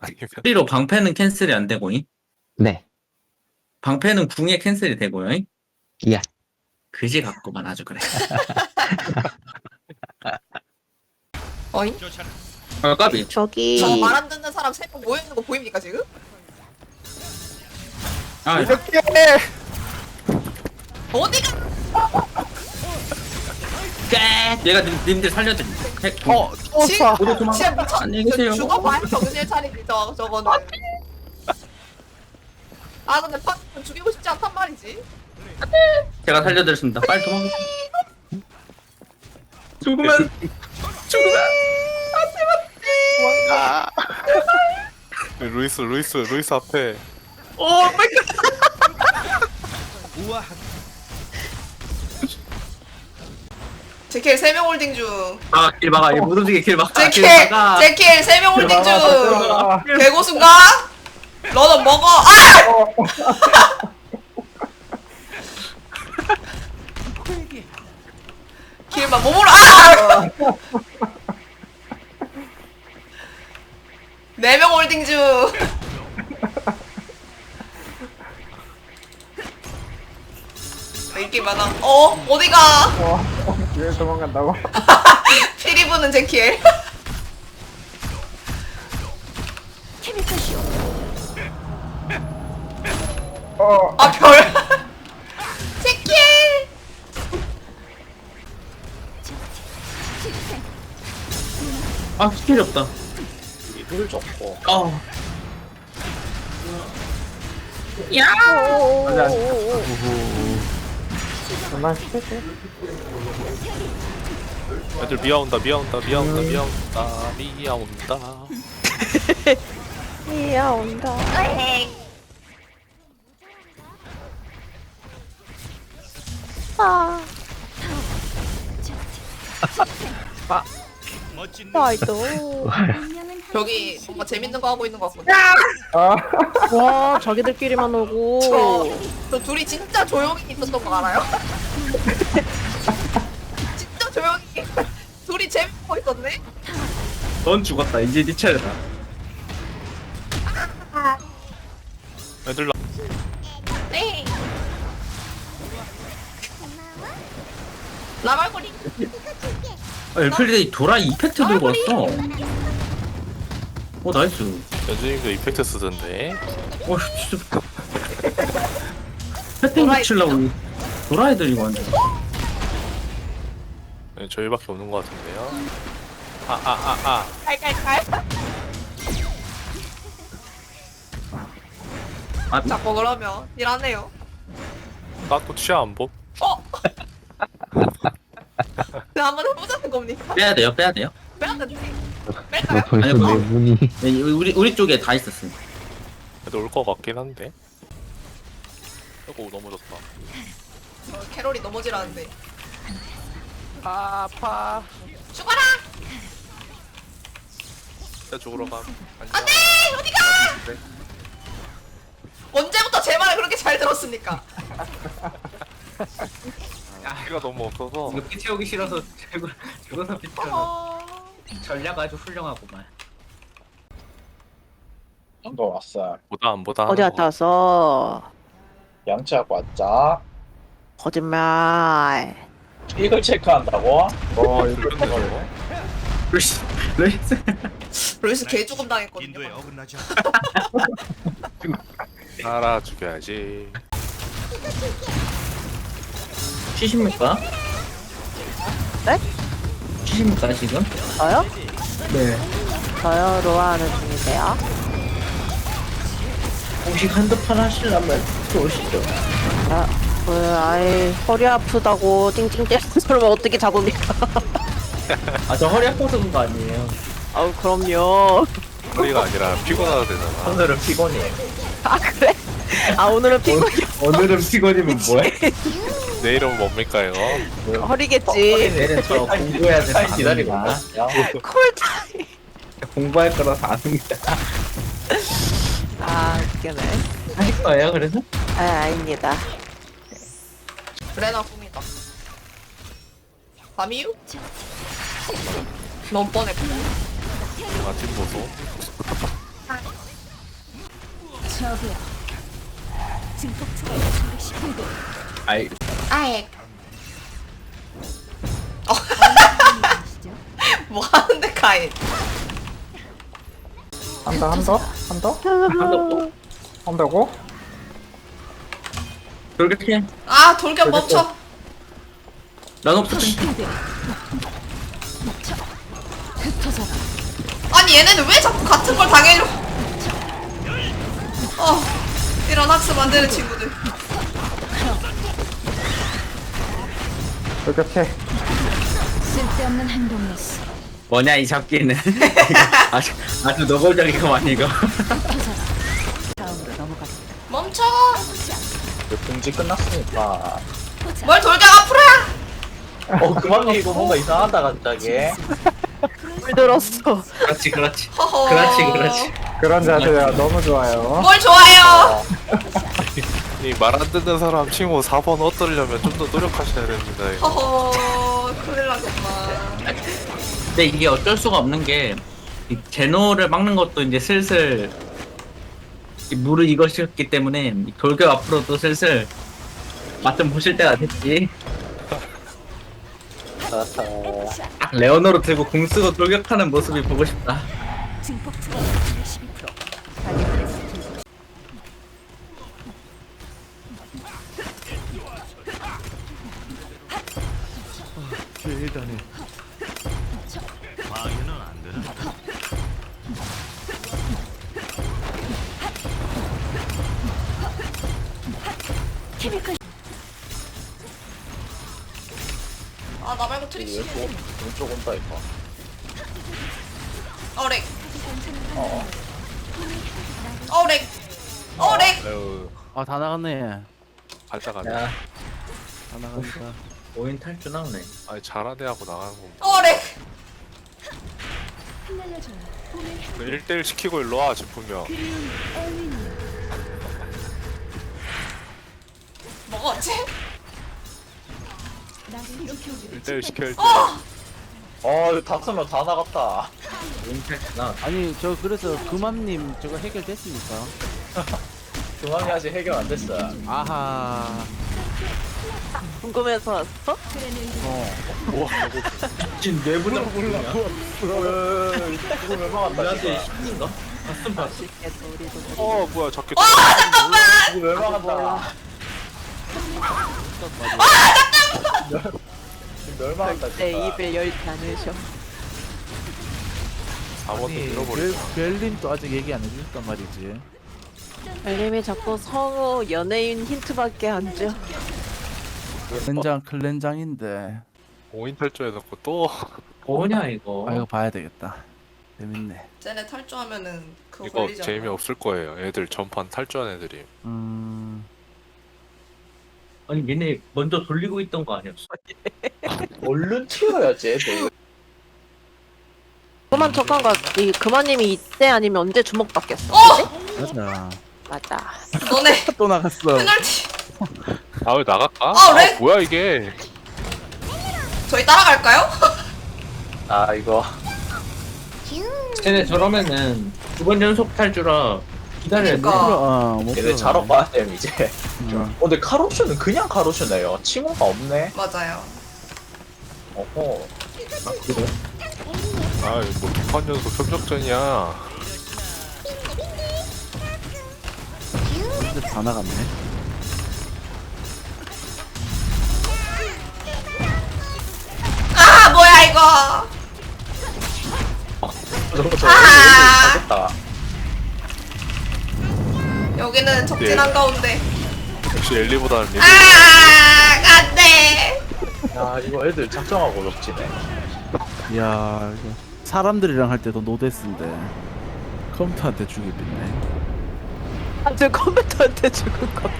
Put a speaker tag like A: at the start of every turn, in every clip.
A: 아니면
B: 소리로 방패는 캔슬이 안 되고잉?
C: 네.
B: 방패는 궁에 캔슬이 되고요잉?
C: 예.
B: 그지 같구만 아주 그래.
D: 어잉?
B: 아 까비.
E: 저기
D: 저 말 안 듣는 사람 3명 모여있는 거 보입니까 지금?
B: 아
A: 이렇게
D: 어디가?
B: 얘가 님들 살려드리.
D: 진짜
B: 모두 도망가.
D: 진짜 미쳤.
B: 안녕히 계세요.
D: 죽어봐야 정신을 차리지 저거는. 아 근데 팝은 죽이고 싶지 않단 말이지.
B: 제가 살려드렸습니다. 빨리 도망가. 죽으면
A: 도망가. 루이스 앞에
B: 오 마이 갓.
D: 제킬 3명 홀딩 중.
B: 아길 막아. 이 못 움직이게 길 막아.
D: 제킬
B: 길 막아.
D: 제킬 3명 홀딩 중. 개고수인가? 너는 먹어. 아! 길만 몸으로 아! 4명 홀딩 중. 인기 많아. 어디가?
F: 왜 도망간다고?
D: 피리 부는 제킬. 아 별. 제킬.
B: 아 스킬이 없다.
F: 이불 좋고.
B: 어. 야.
F: 그만 시켰지?
A: 애들 미아온다.
E: 이야 온다. 아. 나이도.
D: 여기 뭔가 재밌는 거 하고 있는 것 같거든.
F: 아,
E: 와 자기들끼리만 오고.
D: 저 둘이 진짜 조용히 있었던 거 알아요? 진짜 조용히 둘이 재밌고 있었네?
B: 넌 죽었다. 이제 네 차례다.
A: 애들
D: 네. 나발거리.
B: 엘플리데이 도라 이펙트 들고 왔어. 오 나이스.
A: 연준님도 이펙트 쓰던데.
B: 오 진짜. 패팅 붙이려고 도라 애들이 완전.
A: 네, 저희밖에 없는 것 같은데요.
D: 칼칼칼.
B: 아
D: 자꾸 그러면 일 안 해요.
A: 나또 취하 안 보?
D: 나 한번 해보자는 겁니까?
B: 빼야 돼요. 빼야 돼요.
D: 빼야 되지. 뺄까요?
C: 벌써
B: 아니, 뭐.
C: 네 분이.
B: 네, 우리 쪽에 다 있었어.
A: 애들 올 것 같긴 한데. 아이고 넘어졌다.
D: 캐롤이 넘어지라는데.
A: 아파.
D: 죽어라!
A: 진짜 죽으러 가.
D: 안돼! 어디가! 언제부터 제 말을 그렇게 잘 들었습니까?
A: 피가 너무 없어서.
B: 이거 피 채우기 싫어서 죽어서 피 채워. 전략 아주 훌륭하구만.
F: 너 왔어.
A: 보다 안 보다.
E: 어디 갔다 왔어?
F: 양치하고 왔자.
E: 거짓말.
F: 이걸 체크한다고? 어, 이거
A: 그런데
B: 루이스.
D: 루이스 개 죽음 당했거든요.
G: 인도에 어긋나지
A: 알아 죽여야지.
B: 치십니까?
E: 네?
B: 치십니까 지금?
E: 저요?
B: 네.
E: 저요 로아하는 중인데요.
B: 공식 한두 판 하시려면 들어오시죠.
E: 아이 허리 아프다고 찡찡 때리는 사람은 어떻게 잡습니까?
B: 아 저 허리 아파서 그런 거 아니에요.
E: 아우 그럼요.
A: 허리가 아니라 피곤하다 되잖아.
B: 오늘은 피곤이에요.
E: 아 그래? 아 오늘은 피곤이
B: 오늘은 피곤이면 뭐해?
A: 내일은 뭡니까 이거?
E: 허리겠지.
B: 내일은 저 공부해야 돼서 기다리고
E: 콜타임.
B: 공부할 거라서 안 합니다.
E: 아 웃기네.
B: 할 거예요 그래서?
E: 아 아닙니다.
D: 레나 꿈이다. 밤이유? 너무 뻔했고.
A: 아침 보소.
C: 저기요. 증폭 초과 준비 시간도.
B: 아이
D: 아이.
C: 아시죠?
D: 뭐 하는데 카인?
F: 한 더?
B: 한다고?
F: 한다고?
B: 그렇게
D: 아 돌격 멈춰.
B: 난 없어.
C: 시간도. 흩어져라.
D: 아니 얘네는 왜 자꾸 같은 걸 당해려? 이런 학습 안 되는 친구들.
F: 그렇게
C: 쓸데없는 행동이었어.
B: 뭐냐 이 잡기는. 아주 노골적이구만 이거.
C: 흩어져라. 다음으로 넘어가자.
D: 멈춰.
F: 공지 끝났으니까.
D: 뭘 돌격 앞으로야?
F: 그만 이거 뭔가 이상하다 갑자기.
E: 물들었어.
B: 그렇지 그렇지.
D: 허허.
B: 그렇지.
F: 그런 자세가 너무 좋아요.
D: 뭘 좋아해요?
A: 이 말 안 듣는 사람 친구 4번 얻으려면 좀 더 노력하셔야 됩니다. 이거.
D: 허허. 큰일 나겠구만.
B: 근데 이게 어쩔 수가 없는 게 이 제노를 막는 것도 이제 슬슬 이 물을 익으셨기 때문에 이 돌격 앞으로도 슬슬 맛 좀 보실 때가 됐지. 딱 레오노로 들고 공 쓰고 돌격하는 모습이 보고 싶다.
C: 증폭 초과 준비 12%. 가격에서 증폭. 케미컬.
D: 아 나 말고 트릭시.
F: 왼쪽 온다 이거.
D: 어렉. 어렉. 어렉.
A: 아유,
G: 아 다 나갔네.
A: 발작하네.
B: 야,
G: 다 나간다.
B: 5인 탈주 나오네.
A: 아니 잘하네 하고 나가는 거.
D: 어렉.
C: 흩날려줘요. 꿈을
A: 1대1 시키고 일로 와 싶으면
C: 그리운 엘리니.
D: 먹었지?
C: 나를 지켜주고
A: 1대1 시킬 때
F: 이거 다 쓰면 다 나갔다.
B: 5인 탈주 나왔다.
G: 아니 저 그래서 금암님 저거 해결됐습니까?
F: 중앙이 아직 해결 안 됐어.
G: 아하.
E: 궁금해서 왔어?
G: 어.
B: 지금 내부자 몰라.
F: 그걸 왜 막았다
B: 우리한테
F: 진짜.
B: 힘인가? 봤음 봤지.
A: 어 뭐야 잡기
F: 이거 왜 막았다. 지금 멸 막았다
E: 내
F: 진짜.
E: 입을 열지 않으셔.
A: 4번도
G: 아니
A: 밀어버리자.
G: 벨린도 아직 얘기 안 해줬단 말이지.
E: 알림이 자꾸 성우 연예인 힌트밖에 안 줘.
G: 클렌장 클렌장인데.
A: 5인 탈주해놓고 또
B: 뭐냐 이거.
G: 아 이거 봐야 되겠다. 재밌네.
D: 쟤네 탈주하면은 그거
A: 이거
D: 걸리잖아.
A: 재미없을 거예요. 애들 전판 탈주한 애들이.
B: 아니 얘네 먼저 돌리고 있던 거 아니었어?
F: 얼른 튀어야지 애들.
E: 그만 척한 거, 이 그만님이 이때 아니면 언제 주먹 받겠어? 그치?
G: 맞아.
E: 맞아.
D: 너네
G: 또 나갔어.
D: 페널티.
A: 아 왜 나갈까?
D: 왜?
A: 뭐야 이게?
D: 저희 따라갈까요?
F: 아 이거.
B: 쟤네 저러면은 2번 연속 탈주라 기다려야 돼.
D: 그러니까.
G: 못
F: 얘네 자러 가야 돼 이제.
G: 음.
F: 근데 카로슈는 그냥 카로슈네요. 칭호가 없네.
D: 맞아요.
F: 어허.
A: 아뭐 2판 연속 협력전이야.
G: 근데 다 나갔네.
D: 아 뭐야 이거.
F: 가겠다.
D: 여기는 적진
A: 네.
D: 한가운데.
A: 역시 엘리보다는 리드.
D: 안돼.
F: 야 이거 애들 작정하고 적지네.
G: 이야 이거 사람들이랑 할 때도 노데스인데 컴퓨터한테 죽이 빗네.
E: 아주 컴퓨터한테 죽은 거.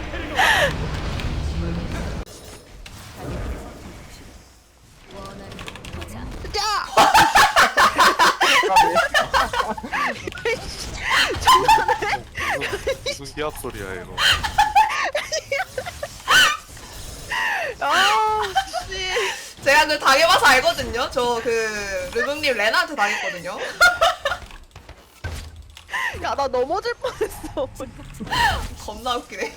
A: 무슨 기합 소리야 이거.
E: 아, 씨.
D: 제가 그 당해봐서 알거든요. 저 그 르붕님 레나한테 당했거든요.
E: 야, 나 넘어질 뻔했어.
D: 겁나 웃기네.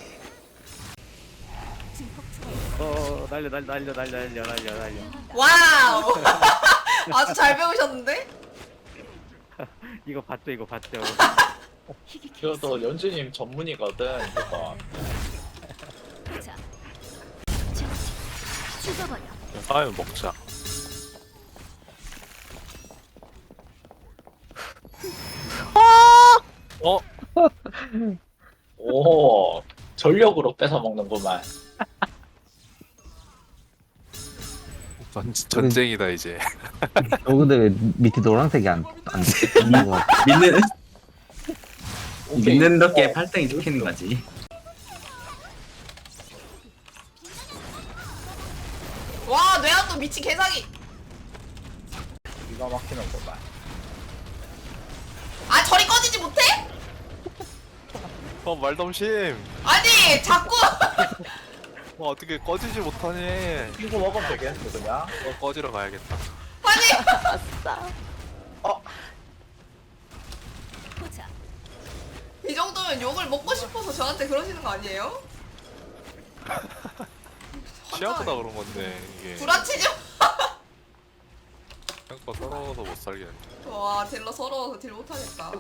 G: 날려.
D: 와우. 아주 잘 배우셨는데?
G: 이거 봤죠?
F: 이것도 연주님 전문이거든, 이거.
C: 자, 죽어버려.
A: 아유 먹자. 어?
F: 오, 전력으로 뺏어 먹는구만.
A: 전쟁이다 이제.
H: 근데 왜 밑에 노란색이 안 뜨는 거 같아?
B: 믿는 덕에 팔등이 찍히는 거지.
D: 와, 뇌한도 미친 개사기.
F: 기가 막히는구만.
D: 아, 저리 꺼지지 못해?
A: 말덤심.
D: 아니, 자꾸.
A: 어떻게 꺼지지 못하니?
F: 이거 먹으면 되겠는데, 그냥?
A: 꺼지러 가야겠다.
D: 아니.
E: 아싸.
C: 보자.
D: 이 정도면 욕을 먹고 싶어서 저한테 그러시는 거 아니에요?
A: 시야보다 그런 건데 이게
D: 구라치지
A: 생각보다 서러워서 못 살겠네.
D: 와, 딜러 서러워서 딜 못하겠다.